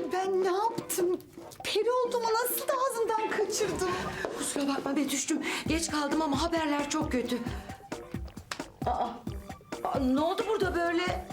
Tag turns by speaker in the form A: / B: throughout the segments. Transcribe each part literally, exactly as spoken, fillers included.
A: Ben ne yaptım? Peri olduğumu nasıl da ağzımdan kaçırdım?
B: Kusura bakma Betüş'cüm. Geç kaldım ama haberler çok kötü. Aa, aa, ne oldu burada böyle?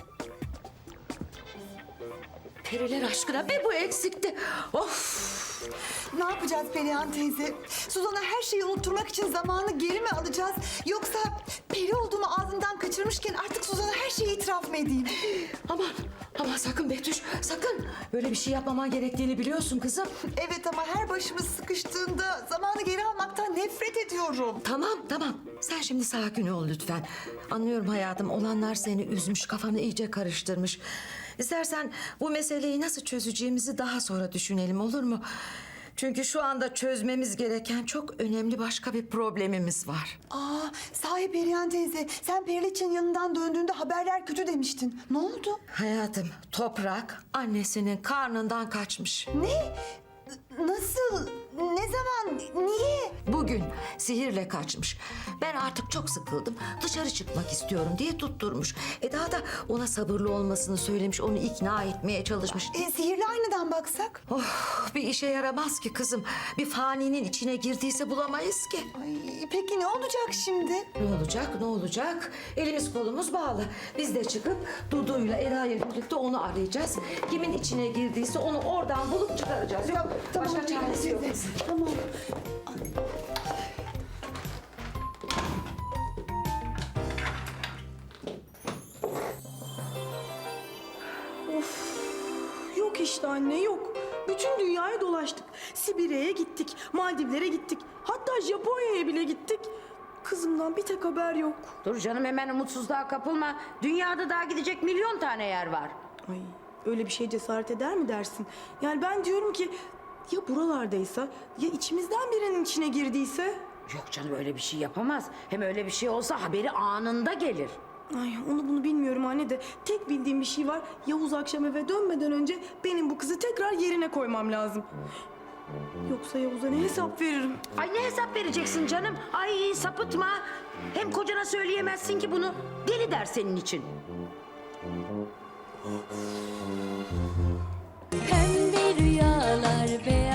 B: Periler aşkına be bu eksikti. Of!
A: Ne yapacağız Perihan teyze? Suzan'a her şeyi unutturmak için zamanı geri mi alacağız? Yoksa peri olduğumu ağzımdan kaçırmışken artık Suzan'a her şeyi itiraf mı edeyim?
B: Aman, aman sakın Betüş, sakın. Böyle bir şey yapmaman gerektiğini biliyorsun kızım.
A: Evet ama her başımız sıkıştığında zamanı geri almaktan nefret ediyorum.
B: Tamam, tamam. Sen şimdi sakin ol lütfen. Anlıyorum hayatım, olanlar seni üzmüş, kafanı iyice karıştırmış. İstersen bu meseleyi nasıl çözeceğimizi daha sonra düşünelim, olur mu? Çünkü şu anda çözmemiz gereken çok önemli başka bir problemimiz var.
A: Aa, sahi Perihan teyze, sen Periliçe'nin yanından döndüğünde haberler kötü demiştin. Ne oldu?
B: Hayatım, Toprak annesinin karnından kaçmış.
A: Ne? Nasıl? Ne zaman? Niye?
B: Bugün sihirle kaçmış. Ben artık çok sıkıldım. Dışarı çıkmak istiyorum diye tutturmuş. Eda da ona sabırlı olmasını söylemiş. Onu ikna etmeye çalışmış.
A: E, sihirli aynadan baksak?
B: Oh, bir işe yaramaz ki kızım. Bir faninin içine girdiyse bulamayız ki.
A: Ay, peki ne olacak şimdi?
B: Ne olacak, ne olacak? Elimiz kolumuz bağlı. Biz de çıkıp Dudu'yla Eda'yla birlikte onu arayacağız. Kimin içine girdiyse onu oradan bulup çıkaracağız. Yok, başka çaresi yok.
A: teyze, Tamam.
C: Yok işte anne yok. Bütün dünyayı dolaştık. Sibirya'ya gittik, Maldivlere gittik. Hatta Japonya'ya bile gittik. Kızımdan bir tek haber yok.
D: Dur canım hemen umutsuzluğa kapılma. Dünyada daha gidecek milyon tane yer var.
C: Ay öyle bir şey cesaret eder mi dersin? Yani ben diyorum ki ya buralardaysa ya içimizden birinin içine girdiyse?
D: Yok canım öyle bir şey yapamaz. Hem öyle bir şey olsa haberi anında gelir.
C: Ay onu bunu bilmiyorum anne de tek bildiğim bir şey var. Yavuz akşam eve dönmeden önce benim bu kızı tekrar yerine koymam lazım. Yoksa Yavuz'a ne hesap veririm?
D: Ay ne hesap vereceksin canım? Ay sapıtma. Hem kocana söyleyemezsin ki bunu. Deli der senin için.
E: Pembe rüyalar, beyaz